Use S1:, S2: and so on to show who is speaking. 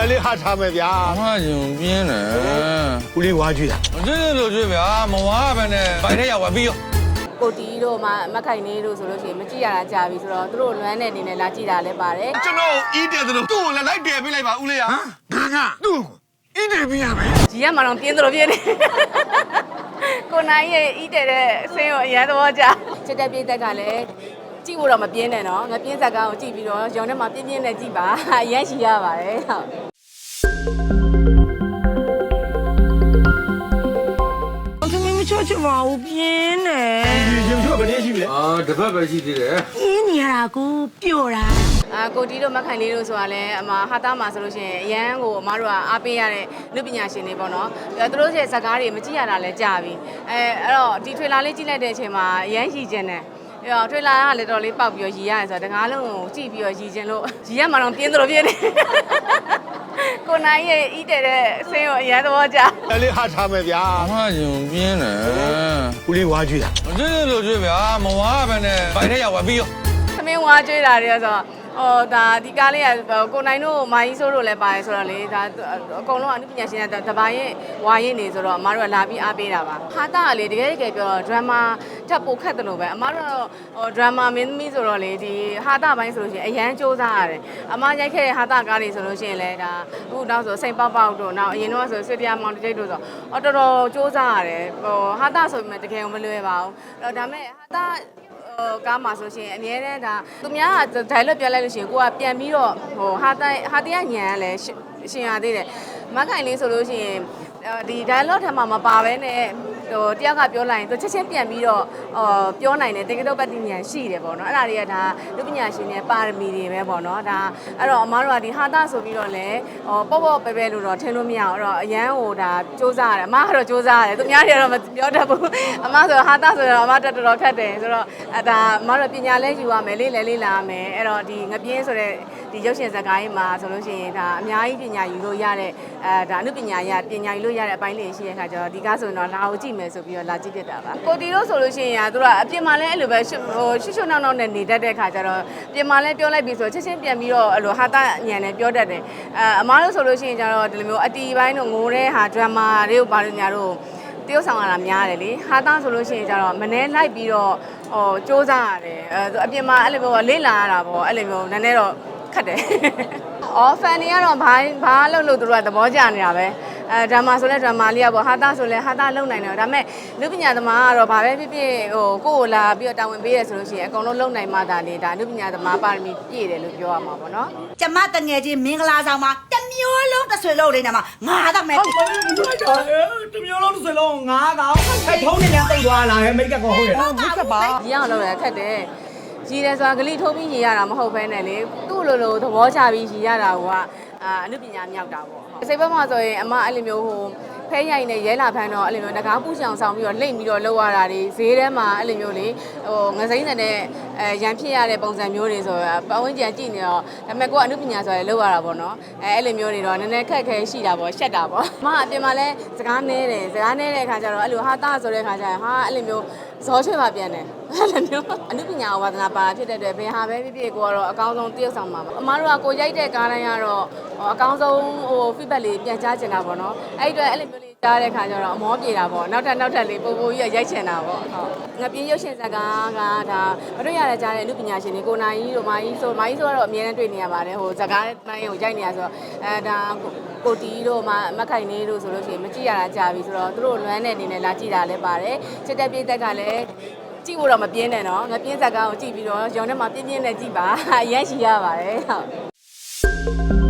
S1: လေးဟာထားမယ်ဗျာ
S2: အမကျုံပြင်းတယ်
S1: ဦးလေးဝါကြွေးတာ
S2: ကျွေးလို့ကျွေးဗျာမဝါပဲနဲ့ဘိုင်ထဲရောက်ပြီးရော
S3: ကိုတီတို့မှမခိုင်နေတို့ဆိုလို့ရှိရင်မကြည့်ရတာကြာပြီဆိုတော့သူတို့လွမ်းတဲ့အနေနဲ့လာကြည့်တာလည်းပါတယ်
S1: ကျွန်တော်အီးတယ်သလိုသူ့ကိုလည်းလိုက်တယ်ပေးလိုက်ပါဦးလေးဟာငါသူ့ကိုအီးတယ်ပေးရမယ်
S3: ကြီးရမှတော့ပြင်းသလိုပြင်းနေကိုနိုင်ရဲ့အီးတယ်တဲ့အဆင်းကိုအရန်သဘောကျချက်တက်ပြေးတက်ကလည်းကြည့်ဖို့တော့မပြင်းနဲ့နော်ငါပြင်းဇက်ကားကိုကြည့်ပြီးတော့ရောင်ထဲမှာပြင်းပြင်းနဲ့ကြည့်ပါအရန်ရှိရပါတယ်ဟုတ်
S4: ချောချမအောင်ပြင်းနေ
S1: ဒီရုပ်ချောဘယ်နည်းရှိလဲ
S2: တစ်ပတ်ပဲရှိသေးတယ်
S4: ပြင်းနေရတာကိုပျော့တာ
S3: ကိုတီတို့မခိုင်လေးတို့ဆိုတာလဲအမဟာသားမှာဆိုလို့ရှိရင်အရန်ကိုအမတို့ကအားပေးရတဲ့လူပညာရှင်တွေပေါ့နော်သူတို့ရဲ့ဇာတ်ကားတွေမကြည့်ရတာလဲကြာပြီအဲ့တော့ဒီထွေလာလေးကြည့်လိုက်တဲ့အချိန်မှာအရန်ရည်ကျင်တယ်ထွေလာကလည်းတော်လေးပေါက်ပြီးတော့ရည်ရတယ်ဆိုတော့တကားလုံးကိုကြည့်ပြီးတော့ရည်ကျင်လို့ရည်ရမှတော့ပြင်းသလိုပြင်းနေကိုနိုင်ရဲ့အီးတဲ့အဆင်းကိုအရန်သဘောကျ
S1: လေးဟာထားမယ်ဗျာ
S2: အမကျုံပြင်းတယ်
S1: ဦးလေးဝါကြွေးတာ
S2: ကျွေးလို့ကျွေးဗျာမဝါပဲနဲ့ဘိုင်ထဲရောက်ပြီးရော
S3: သမင်းဝါကြွေးတာတွေဆိုတော့ဒါဒီကားလေးကကိုနိုင်တို့မာကြီးဆိုးတို့လည်းပါတယ်ဆိုတော့လေဒါအကုန်လုံးအမှုပညာရှင်တွေတပါးရဲ့ဝါရင်နေဆိုတော့အမတို့ကလာပြီးအားပေးတာပါဟာတာကလေတကယ်ပြောဒရမာထပ်ပိုခက်တယ်လို့ပဲအမတို့ဒရမာမင်းသမီးဆိုတော့လေဒီဟာတာပိုင်းဆိုလို့ရှိရင်အရန်စူးစမ်းရတယ်အမရိုက်ခဲ့တဲ့ဟာတာကားတွေဆိုလို့ရှိရင်လည်းဒါအခုနောက်ဆိုစိန်ပေါက်ပေါက်တို့နောက်အရင်တော့ဆိုစစ်တရားမောင်တိတ်တို့ဆိုတော်တော်စူးစမ်းရတယ်ဟာတာဆိုပေမဲ့တကယ်မလွယ်ပါဘူးဒါပေမဲ့ဟာတာကားမှာဆိုရှင်အများနဲ့ဒါသူများက dialogue ပြောလိုက်လို့ရှိရင်ကိုကပြန်ပြီးတော့ဟာတရားညံလဲရှင်ရသေးတယ်မခိုင်လေးဆိုလို့ရှိရင်ဒီ dialogue ထပ်မှာမပါဘဲနဲ့တယောက်ကပြောလိုက်ရင်သူချက်ချင်းပြန်ပြီးတော့ပြောနိုင်တယ်တကယ်တော့ပဋိညာဉ်ရှိတယ်ပေါ့နော်အဲ့ဒါတွေကဒါလူပညာရှင်တွေပါရမီတွေပဲပေါ့နော်ဒါအဲ့တော့အမားတို့ကဒီဟာတာဆိုပြီးတော့လဲပေါ့ပေါ့ပဲပဲလို့တော့ထင်လို့မရအောင်အဲ့တော့အရန်ဟိုဒါစူးစမ်းရတယ်အမားကတော့စူးစမ်းရတယ်သူများတွေကတော့မပြောတတ်ဘူးအမားဆိုဟာတာဆိုတော့အမားတော်တော်ခက်တယ်ဆိုတော့ဒါအမားတို့ပညာလဲယူရမယ်လေးလဲလာရမယ်အဲ့တော့ဒီငပြင်းဆိုတဲ့ဒီရုပ်ရှင်ဇာတ်ကားကြီးမှာဆိုလို့ရှိရင်ဒါအများကြီးပညာယူလို့ရတဲ့ဒါအနုပညာရပညာယူလို့ရတဲ့အပိုင်းလေးရှိတဲ့အခါကျတော့ဒီကားဆိုရင်တော့လာကိုကြည့်မယ်ဆိုပြီးတော့လာကြည့်ဖြစ်တာပါကိုတီတို့ဆိုလို့ရှိရင်သူတို့ကအပြင်မှာလည်းအဲ့လိုပဲရှုပ်နောက်နဲ့နေတတ်တဲ့အခါကျတော့ပြင်မှာလည်းပြောလိုက်ပြီးဆိုချက်ချင်းပြန်ပြီးတော့အဲ့လိုဟာတာညံနဲ့ပြောတတ်တယ်အမားတို့ဆိုလို့ရှိရင်ကျတော့ဒီလိုမျိုးအတီပိုင်းတို့ငိုတဲ့ဟာဒရမာတွေကိုဘာလို့ညာတို့တရုပ်ဆောင်ရတာများတယ်လေဟာတာဆိုလို့ရှိရင်ကျတော့မနှဲလိုက်ပြီးတော့စူးစမ်းရတယ်အပြင်မှာအဲ့လိုမျိုးလေ့လာရတာပေါ့အဲ့လိုမျိုးနည်းနည်းတော့ခက်တယ်ဖန်တွေကတော့ဘာလုပ်လို့သူတို့ကသဘောကျနေတာပဲဒရမာဆိုလဲဒရမာလေးอ่ะပေါ့ဟာတာဆိုလဲဟာတာလုံနိုင်တယ်ဒါပေမဲ့လူပညာသမားကတော့ဘာပဲဖြစ်ဖြစ်ဟိုကိုယ့်ကိုလာပြီးတော့တာဝန်ပေးရဆိုလို့ရှိရင်အကုန်လုံးလုံနိုင်မှသာလေဒါလူပညာသမားပါရမီပြည့်တယ်လို့ပြောရမှာပေါ့နော်
S4: ကျမတငယ်ချင်းမင်္ဂလာဆောင်မှာတမျိုးလုံးတစ်ဆွေလုံးလေးနဲ့မှာငါတော့မယ်
S1: တမျိုးလုံးတစ်ဆွေလုံးငါကောင်ထုံးနေလည်းတိတ်သွားလာမိတ်ကကောဟုတ်ရဲ့
S3: ဟုတ်ကဲ့ပါရအောင်လုပ်ရခက်တယ်ရည်တယ်ဆိုတာဂလိထိုးပြီးရည်ရတာမဟုတ်ဘဲနဲ့လေသူ့လိုသဘောချပြီးရည်ရတာကအနုပညာမြောက်တာပေါ့စိတ်ဘက်မှာဆိုရင်အမအဲ့လိုမျိုးဟိုဖဲရိုင်နဲ့ရဲလာဖန်းတော့အဲ့လိုမျိုးငကားပူဆောင်ဆောင်ပြီးတော့လိမ့်ပြီးတော့လှုပ်ရတာတွေဈေးထဲမှာအဲ့လိုမျိုးလေဟိုငစိမ့်တဲ့ရန်ဖြစ်ရတဲ့ပုံစံမျိုးတွေဆိုတော့ပတ်ဝန်းကျင်ကြည့်နေတော့ဒါပေမဲ့ကိုကအနုပညာဆိုရလှုပ်ရတာပေါ့နော်အဲ့လိုမျိုးတွေတော့နည်းနည်းခက်ခဲရှိတာပေါ့ရှက်တာပေါ့အမအပြင်မှာလဲစကားနဲတယ်စကားနဲတဲ့အခါကျတော့အဲ့လိုဟာတာဆိုတဲ့အခါကျရင်ဟာအဲ့လိုမျိုးဇောချွေပါပြန်တယ်အဲ့လိုမျိုးအနုပညာဝါသနာပါဖြစ်တဲ့အတွက်ဘယ်ဟာပဲဖြစ်ဖြစ်ကိုကတော့အကောင်းဆုံးတရုပ်ဆောင်ပါအမားတို့ကကိုရိုက်တဲ့ကားတိုင်းကတော့အကောင်းဆုံးဟို feedback လေးပြန်ကြားချင်တာပေါ့နော်အဲ့ဒီအတွက်အဲ့လိုမျိုးလေးကြားတဲ့ခါကျတော့အမောပြေတာပေါ့နောက်ထပ်လေးပိုကြီးရိုက်ချင်တာပေါ့ဟုတ်ငပြင်းရုပ်ရှင်ဇာတ်ကားကဒါမတွေ့ရတဲ့ကြားတဲ့အနုပညာရှင်တွေကိုနိုင်ကြီးတို့မာကြီးဆိုတော့အများနဲ့တွေ့နေရပါတယ်ဟိုဇာတ်ကားတိုင်းကိုရိုက်နေရဆိုတော့ဒါကိုတီတို့မခိုင်နေတို့ဆိုလို့ရှိရင်မကြည့်ရတာကြာပြီဆိုတော့သူတို့လွမ်းတဲ့အနေနဲ့လာကြည့်တာလည်းပါတယ်ချက်တက်ပြေးတက်ကလည်းကြည့်ဖို့တော့မပြင်းနဲ့နော်ငပြင်းဇာတ်ကားကိုကြည့်ပြီးတော့ရောင်ထဲမှာပြင်းနဲ့ကြည့်ပါအရန်ရှိရပါတယ်ဟုတ်